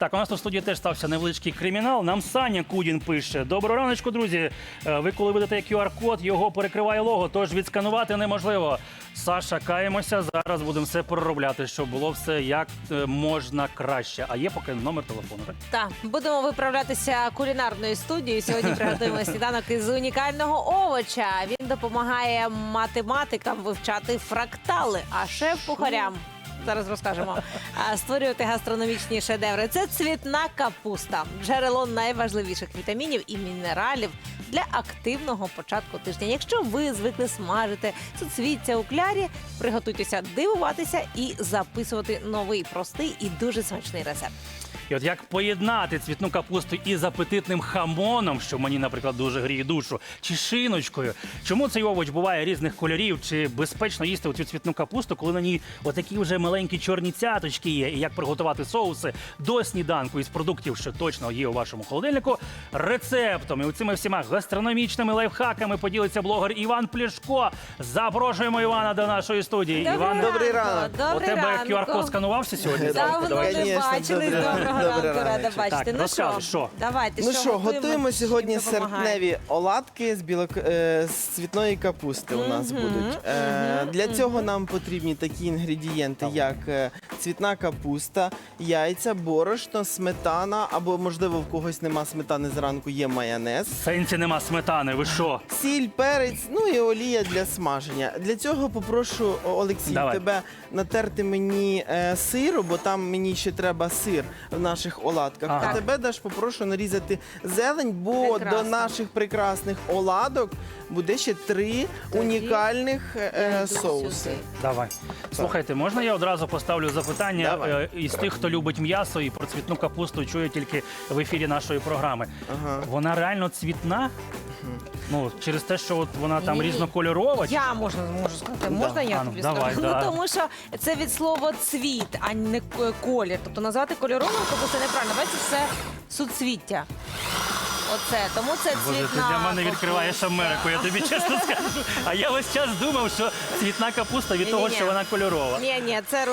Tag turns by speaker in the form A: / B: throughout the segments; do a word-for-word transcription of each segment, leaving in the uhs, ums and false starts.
A: Так, у нас тут в студії теж стався невеличкий кримінал. Нам Саня Кудін пише. Доброго раночку, друзі. Е, Ви коли видаєте кю ар-код, його перекриває лого, тож відсканувати неможливо. Саша, каємося, зараз будемо все проробляти, щоб було все як е, можна краще. А є поки номер телефону, так?
B: Так, будемо виправлятися кулінарною студією. Сьогодні приготуємо сніданок із унікального овоча. Він допомагає математикам вивчати фрактали, а шеф-кухарям, зараз розкажемо, а, створювати гастрономічні шедеври. Це цвітна капуста, джерело найважливіших вітамінів і мінералів для активного початку тижня. Якщо ви звикли смажити суцвіття у клярі, приготуйтеся дивуватися і записувати новий, простий і дуже смачний рецепт.
A: І от як поєднати цвітну капусту із апетитним хамоном, що мені, наприклад, дуже гріє душу, чи шиночкою. Чому цей овоч буває різних кольорів, чи безпечно їсти оцю цвітну капусту, коли на ній отакі вже маленькі чорні цяточки є, і як приготувати соуси до сніданку із продуктів, що точно є у вашому холодильнику, рецептом. І оцими всіма гастрономічними лайфхаками поділиться блогер Іван Плішко. Запрошуємо Івана до нашої студії.
B: Добрий
A: Іван,
B: ранку.
C: добрий ранок.
A: у
B: Добрий
A: тебе
B: ранку.
A: кю ар-код сканувався сьогодні?
B: Давно
A: Давай.
B: не
C: Конечно,
B: бачили.
C: добрий ранок.
B: Доброго
C: Добрий
B: ранку, рада
C: ранок.
B: бачити.
A: Так,
B: Ну
A: розказуй,
B: що,
A: що?
B: давайте,
C: Ну що, готуємо
B: чим
C: сьогодні
B: допомагає?
C: серпневі оладки з, білок... е, з цвітної капусти у нас
B: Мгм,
C: будуть. Е,
B: мгм,
C: Для
B: мгм.
C: цього нам потрібні такі інгредієнти, як е, цвітна капуста, яйця, борошно, сметана, або, можливо, в когось нема сметани зранку, є майонез.
A: В сенсі нема сметани, ви що?
C: Сіль, перець, ну і олія для смаження. Для цього попрошу, О, Олексій,
A: Давай.
C: тебе натерти мені е, сиру, бо там мені ще треба сир в наших оладках.
A: Ага.
C: А тебе, Даш, попрошу нарізати зелень, бо
B: Прекрасно.
C: до наших прекрасних оладок буде ще три
B: Тоді
C: унікальних
B: Я
C: е,
B: йду
C: соуси.
B: сюди.
A: Давай. Слухайте, можна я одразу поставлю запитання
C: Давай.
A: е, із тих, хто любить м'ясо і про цвітну капусту чує тільки в ефірі нашої програми.
C: Ага.
A: Вона реально цвітна? Ну, через те, що от вона там
B: Ні.
A: різнокольорова? чи-
B: Я можна можу сказати, можна я
A: А, ну,
B: тобі
A: давай,
B: скажу?
A: да.
B: Ну тому що це від слова цвіт, а не к- колір. Тобто назвати кольоровим капусту неправильно. Бачите, це суцвіття. Оце, тому це
A: Боже, ти
B: цвітна
A: для мене відкриваєш
B: капуста.
A: Америку, я тобі чесно скажу. А я весь час думав, що цвітна капуста від того,
B: Ні-ні-ні.
A: що вона кольорова.
B: Ні, ні, це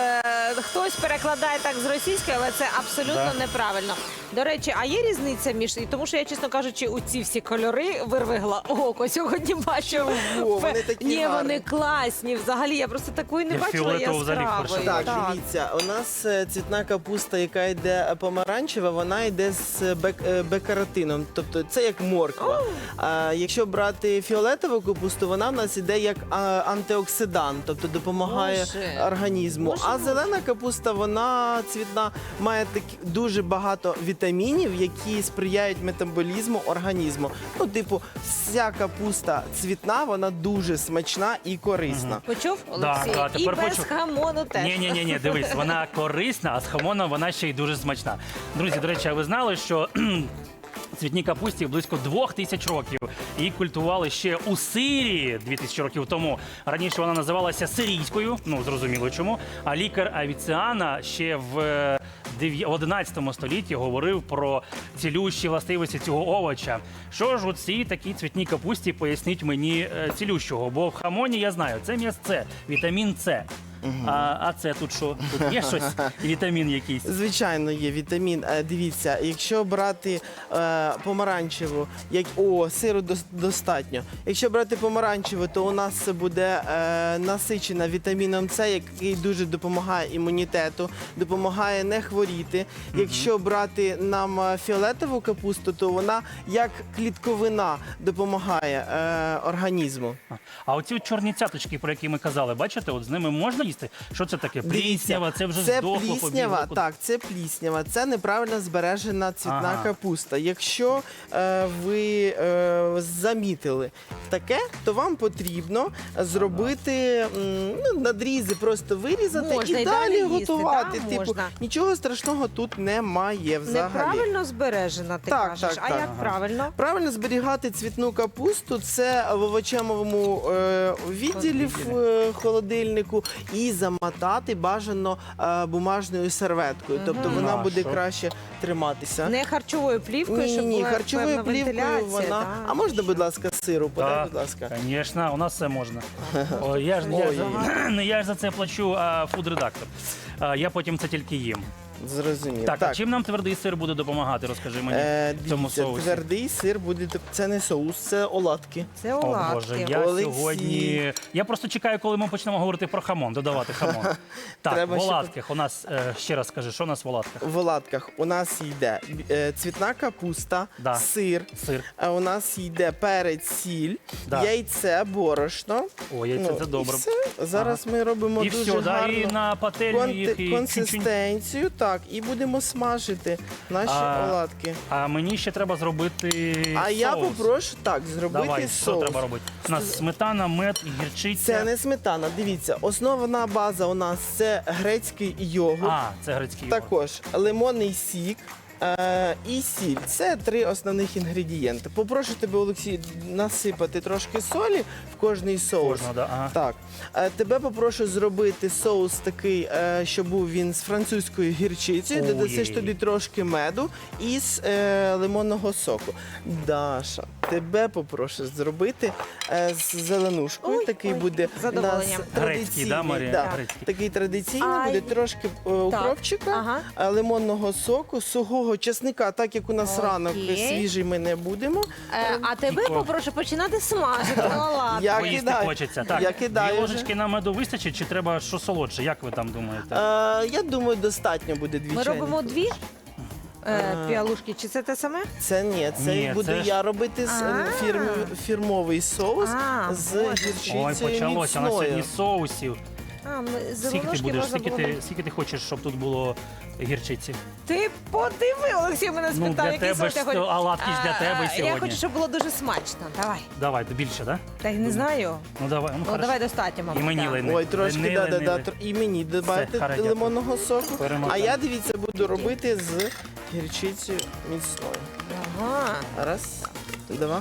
B: е, хтось перекладає так з російської, але це абсолютно
A: Да.
B: неправильно. До речі, а є різниця між тому, що я, чесно кажучи, у ці всі кольори вирвигла око. Сьогодні бачу.
C: Чого? Вони такі
B: Ні,
C: гарні.
B: вони класні. Взагалі, я просто такої не
A: Я
B: бачила
A: фіолетову взагалі
B: яскравої.
A: вперше
C: Так, дивіться, у нас е, цвітна капуста, яка йде помаранчева, вона йде з бек, е, бекаротином, тобто це як морква. А якщо брати фіолетову капусту, вона в нас йде як а, антиоксидант, тобто допомагає
B: Боже.
C: організму.
B: Боже
C: А
B: мой.
C: зелена капуста, вона цвітна, має такі дуже багато вітамінів, які сприяють метаболізму організму. Ну, типу, вся капуста цвітна, вона дуже смачна і корисна.
B: Почув, Олексій?
A: да,
B: І
A: тепер
B: без
A: почув.
B: хамону теж.
A: Ні, ні, ні, ні, дивись, вона корисна, а з хамоном вона ще й дуже смачна. Друзі, до речі, а ви знали, що кхм, цвітній капусті близько двох тисяч років. Її культували ще у Сирії дві тисячі років тому. Раніше вона називалася сирійською, ну зрозуміло чому. А лікар Авіціана ще в е, дев'я- одинадцятому столітті говорив про цілющі властивості цього овоча. Що ж у цій такій цвітній капусті, поясніть мені е, цілющого? Бо в хамоні я знаю, це м'ясце, вітамін С. А, а це тут що? Тут є щось? Вітамін якийсь?
C: Звичайно, є вітамін. Е, Дивіться, якщо брати е, помаранчеву, як о, сиру дос- достатньо. Якщо брати помаранчеву, то у нас це буде е, насичена вітаміном С, який дуже допомагає імунітету, допомагає не хворіти. Якщо брати нам е, фіолетову капусту, то вона як клітковина допомагає е, організму.
A: А оці чорні цяточки, про які ми казали, бачите, от з ними можна їсти? Що це таке? Пліснява, це вже
C: це
A: здохло,
C: пліснява,
A: побігло.
C: так, це пліснява, це неправильно збережена цвітна
A: Ага.
C: капуста. Якщо е, ви е, замітили таке, то вам потрібно зробити м, ну, надрізи, просто вирізати
B: Можна
C: і
B: і
C: далі
B: далі їсти,
C: готувати.
B: да,
C: Типу,
B: можна.
C: нічого страшного тут немає взагалі.
B: Неправильно збережена, ти
C: Так,
B: кажеш.
C: так,
B: а
C: так.
B: як
A: Ага.
B: правильно?
C: Правильно зберігати цвітну капусту це в овочевому е, відділі в е, холодильнику і замотати бажано е, бумажною серветкою. Тобто вона
A: А,
C: буде
A: що?
C: краще триматися.
B: Не харчовою плівкою,
C: Ні,
B: щоб
C: ні,
B: була
C: харчовою
B: певна
C: плівкою
B: вентиляція.
C: вона.
B: да.
C: А можна, будь ласка, сиру? Подай,
A: Так,
C: будь ласка.
A: звісно, у нас все можна. О, я, ж, я,
C: Ой.
A: за, не я ж за це плачу, а фуд-редактор. А, я потім це тільки їм.
C: Зрозумів.
A: Так, а чим нам твердий сир буде допомагати? Розкажи мені
C: Е,
A: в цьому
C: дивіться,
A: соусі.
C: твердий сир буде. Це не соус, це оладки.
B: Це
A: О,
B: оладки.
A: Боже, я
C: Олексій.
A: сьогодні. Я просто чекаю, коли ми почнемо говорити про хамон, додавати хамон. Так,
C: Треба
A: в
C: ще
A: оладках у нас е, ще раз скажи, що у нас в оладках?
C: В оладках у нас йде е, цвітна капуста,
A: Да.
C: сир.
A: Сир.
C: А у нас йде перець, сіль,
A: Да.
C: яйце, борошно.
A: О, яйце
C: Ну,
A: це добре.
C: І все. Зараз ми робимо
A: І
C: дуже
A: все, да,
C: гарно
A: і на пательню
C: конти-
A: їх і чуть-чуть.
C: консистенцію, так, і будемо смажити наші
A: А,
C: оладки.
A: А мені ще треба зробити
C: А
A: соус.
C: я попрошу так зробити
A: Давай, що
C: соус.
A: треба робити? У нас сметана, мед, гірчиця.
C: Це не сметана. Дивіться, основна база у нас це грецький йогурт,
A: А, це грецький йогурт.
C: також лимонний сік. Е, і сіль. Це три основних інгредієнти. Попрошу тебе, Олексій, насипати трошки солі в кожний соус.
A: Кожного, да, ага.
C: Так. Е, тебе попрошу зробити соус такий, е, щоб був він з французькою гірчицею.
A: Ой.
C: Додасиш туди трошки меду і з е, лимонного соку. Даша, тебе попрошу зробити е, з зеленушкою.
B: Ой,
C: такий
B: ой,
C: буде
B: з задоволенням.
C: у нас
A: Грецький,
C: традиційний.
A: да, Марія?
C: Да.
A: Грецький.
C: Такий традиційний
B: Ай.
C: буде трошки е, укропчика,
B: Ага.
C: е, лимонного соку, сухого чесника, так як у нас
B: Окей.
C: ранок свіжий ми не будемо.
B: Е, а тебе
A: Тільки-
B: попрошу починати смажити оладки.
C: Я
A: Поїсти
C: кидаю.
A: хочеться. Так,
C: Я кидаю
A: дві
C: вже.
A: ложечки на меду вистачить, чи треба що солодше? Як ви там думаєте?
C: Е, я думаю, достатньо буде дві
B: Ми
C: чайні.
B: робимо дві е,
C: А.
B: піалушки. Чи це те саме?
C: Це ні, це
A: Ні,
C: буду
A: це ж-
C: я робити з е,
B: А.
C: фірмі- фірмовий соус
B: А,
C: з
B: Боже.
C: гірчицею
A: Ой, почалося. У нас
C: міцною.
A: сьогодні соусів.
B: А, ми
A: Скільки ти
B: зеленушки
A: будеш?
B: можна
A: Скільки
B: було.
A: ти, скільки ти хочеш, щоб тут було гірчиці?
B: Ти подиви, Олексій мене
A: Ну,
B: спитав,
A: для
B: який
A: тебе
B: соус
A: ж
B: я хочу.
A: то, а оладки ж для
B: А,
A: тебе
B: а,
A: сьогодні.
B: Я хочу, щоб було дуже смачно. Давай.
A: Давай, більше, так?
B: Та й не знаю.
A: Ну давай, ну,
B: Ну,
A: хорошо.
B: давай достатньо, мабуть.
A: І мені
B: так.
A: лини.
C: Ой, трошки,
A: Лини,
C: да, да,
A: лини,
C: да,
A: лини.
C: тр- і мені додати
A: харе, дякую.
C: лимонного соку.
A: Перемотаємо.
C: А я, дивіться, буду робити з гірчицею міцною.
B: Ага.
C: Раз, два.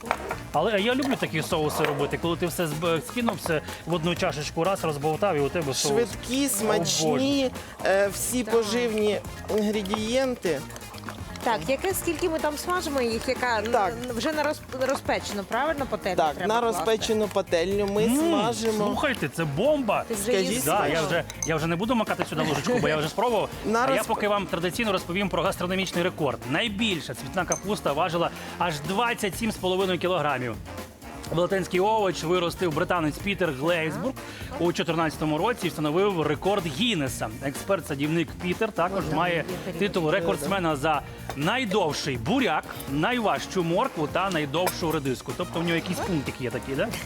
A: Але я люблю такі соуси робити, коли ти все зб- скинув все в одну чашечку, раз розболтав, і у тебе соус.
C: Швидкі, смачні, е, всі
B: Так.
C: поживні інгредієнти.
B: Так, яке скільки ми там смажимо їх, яка н-
C: Так.
B: вже на роз- розпечено, правильно пательню
C: Так,
B: треба
C: на
B: класти?
C: розпечену пательню ми
A: М,
C: смажимо.
A: Слухайте, це бомба!
B: Ти вже
C: Скажіть,
B: їсти
A: Да,
B: можеш?
A: я вже я вже не буду макати сюди ложечку, бо я вже спробував.
C: На
A: А я
C: розп-
A: поки вам традиційно розповім про гастрономічний рекорд. Найбільша цвітна капуста важила аж двадцять сім з половиною кілограмів. Велетенський овоч виростив британець Пітер Глейсбург у дві тисячі чотирнадцятому році і встановив рекорд Гіннеса. Експерт-садівник Пітер також має титул рекордсмена за найдовший буряк, найважчу моркву та найдовшу редиску. Тобто в нього якісь пунктики є такі, да?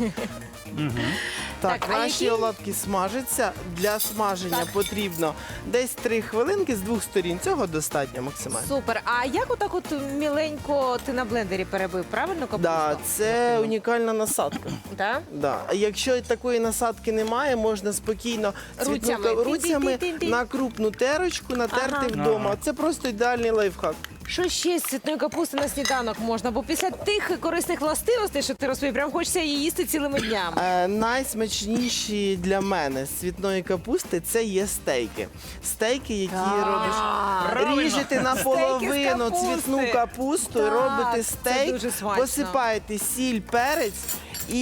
C: Так,
B: Так, а
C: наші
B: які-
C: оладки смажаться. Для смаження
B: Так.
C: потрібно десь три хвилинки з двох сторін. Цього достатньо максимально.
B: Супер. А як отак от міленько ти на блендері перебив, правильно капусту?
C: Да, це унікальна насадка.
B: Да?
C: Да. А якщо такої насадки немає, можна спокійно цвітну
B: Руцями.
C: ка- руцями
B: Тин-тин-тин-тин.
C: на крупну терочку натерти
B: Ага.
C: вдома.
A: Ага.
C: Це просто ідеальний лайфхак.
B: Що ще з цвітної капусти на сніданок можна? Бо після тих корисних властивостей, що ти розповів, прям хочеться її їсти цілими днями.
C: Е, найсмачніші для мене з цвітної капусти це є стейки. Стейки, які
B: Так.
C: робиш.
A: Правильно.
C: Ріжете
B: Стейки з
C: наполовину
B: капусти.
C: цвітну капусту,
B: Так,
C: робите
B: це
C: стейк,
B: дуже смачно.
C: посипаєте сіль, перець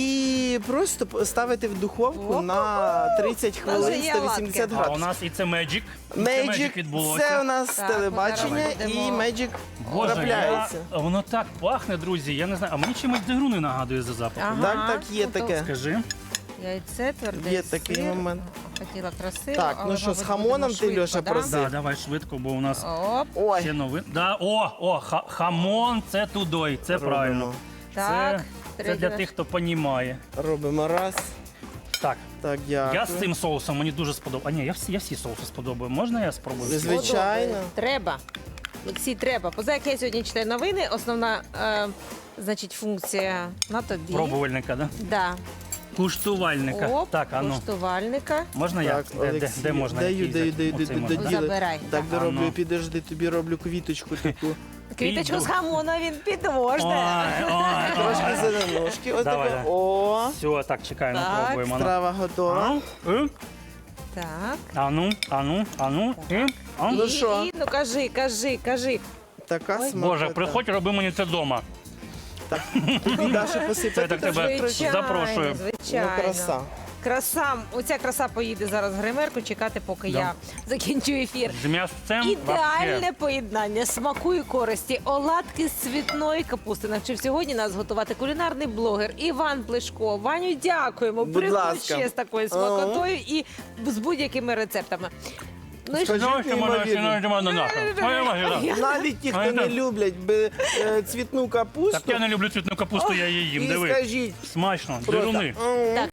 C: і просто п- ставите в духовку
B: О,
C: на тридцять
B: Вже
C: хвилин
B: є
C: сто вісімдесят
B: оладки.
A: А у
C: градусів.
A: нас і це Magic. І це
C: Magic,
A: Magic відбулося.
C: це у нас
B: Так,
C: телебачення
B: ми зараз
C: і
B: будемо-
C: Magic
A: Боже, я,
C: трапляється.
A: воно так пахне, друзі. Я не знаю, а мені чимось дегруни нагадує за запахом.
B: Ага.
C: Так, так, є
B: Ну, то-
C: таке.
A: Скажи.
B: Яйце, твердий
C: Є такий
B: сир.
C: момент.
B: Хотіла красиво,
C: Так,
B: але,
C: ну що, з
B: мабуть,
C: хамоном
B: будемо
C: ти,
B: швидко,
C: Льоша,
B: да?
C: просив?
A: Да, давай швидко, бо у нас
B: Оп,
C: Ой,
A: ще новин. Да, о, о, ха- хамон це тудой, це
C: робимо.
A: правильно.
B: так.
A: Це, це для тих, хто понімає.
C: Робимо раз.
A: Так,
C: Так, дякую.
A: я з цим соусом мені дуже сподобав. А ні, я всі, я всі соуси сподобаю. Можна я спробую?
C: Ви
A: всі?
C: звичайно.
B: Подобає. Треба. Олексій, треба. Поза як я сьогодні читаю новини, основна е, значить, функція на тобі.
A: Пробувальника, да?
B: Да.
A: Куштувальника.
B: Оп,
A: Так, а ну.
B: Можна
A: Можна я?
C: Так,
A: Де, де,
C: Олексій,
A: де можна?
C: даю,
A: який
C: даю,
A: взяти?
C: даю,
A: Оцей
C: даю,
A: можна.
C: даю.
B: Забирай.
C: Так,
A: А
C: дороблю,
A: ну.
C: підожди, тобі роблю квіточку таку.
B: Квіточку
A: Іду.
B: з хамона він підможне.
A: Ой, ой,
C: Трошки
A: ой.
C: зеленушки. Ось
A: Давай,
C: таке.
A: давай.
C: О,
A: Все, так, чекай, ну
B: Так.
A: пробуємо. ну.
C: страва готова.
A: А? Е?
B: Так.
A: А ну, а ну, а ну. І? А?
C: Ну
B: І-
C: що?
B: і, ну кажи, кажи, кажи.
C: Така
B: Ой.
C: смакота.
A: Боже, приходь, роби мені це вдома.
C: Тобі Даша
A: Це
C: посипати
A: так тебе
C: трошки?
B: Звичайно,
A: запрошую.
C: Ну,
B: звичайно.
C: краса.
B: Краса, оця краса поїде зараз в гримерку, чекати, поки
A: Да.
B: я закінчу ефір.
A: З м'ясцем
B: Ідеальне
A: вообще.
B: поєднання смаку і користі. Оладки з цвітної капусти. Навчив сьогодні нас готувати кулінарний блогер Іван Плешко. Ваню, дякуємо.
C: Будь
B: Приходь
C: ласка.
B: ще з такою смакотою і з будь-якими рецептами. Ну і що?
C: Скажи,
A: Ну, що можна, що
C: неймовірно.
A: можна, нахуй. Ой, ой, ой.
C: Навіть ті,
A: А
C: хто
A: це-
C: не люблять би, е, цвітну капусту,
A: Так я не люблю цвітну капусту, я її їм.
C: і
A: Диви.
C: скажіть,
A: Смачно,
C: просто,
A: дируни.
C: «М,
B: Так.